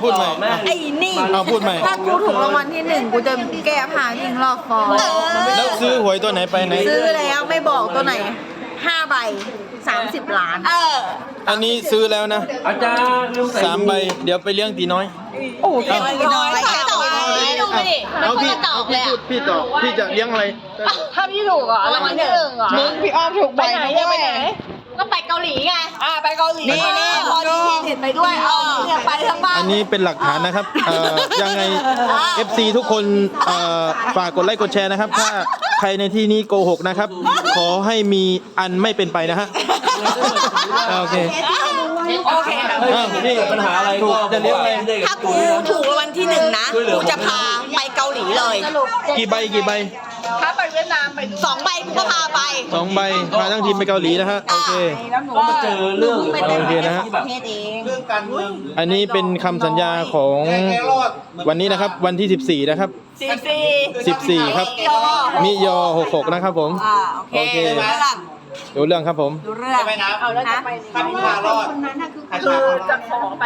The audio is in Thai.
พูดใหม่ไอ้นี่เอาพูดใหม่ถ้ากูถูกรางวัลที่1กูจะแก้ผ้าวิ่งรอบฟอร์แล้วซื้อหวยตัวไหนไปไหนซื้อแล้วไม่บอกตัวไหน5 ใบ 30 ล้านอันนี้ซื้อแล้วนะอาจารย์ลืมใส่ 3 ใบเดี๋ยวไปเลี้ยงตีน้อยโอ้โหน้อยตอบไม่ดูไปดิเอาพี่ตอบเลยพี่ตอบพี่จะเลี้ยงอะไรถ้าพี่ถูกอ่ะรางวัลที่ 1เหรอมึงพี่อ้อมถูกใบไหนไปไหนก็ไปเกาหลีไงไปเกาหลีนี่พอดีเห็นไปด้วยเนี่ยไปทั้งบ้านอันนี้เป็นหลักฐานนะครับยังไง FC ทุกคนฝากกดไลค์กดแชร์นะครับ ถ้าใครในที่นี้โกหกนะครับ ขอให้มีอันไม่เป็นไปนะฮะโอเคโอเคนี่ปัญหาอะไรถูกจะเลี้ยงอะไรถ้ากูถูกรางวัลที่1นะกูจะพาไปเกาหลีเลยกี่ใบกี่ใบถ้าไปเวียดนามไป2 ใบกูก็พาไป 2 ใบพาทั้งทีมไปเกาหลีนะฮะโอเคก็มาเจอเรื่องโอเคนะฮะที่แบบอันนี้เป็นคำสัญญาของวันนี้นะครับวันที่ 14 นะครับ 14 ครับมิยอ66 นะครับผมโอเคดูเรื่องครับผมดูเรื่องเอาแล้วจะไปถ้าพี่พารอดคือจะขอ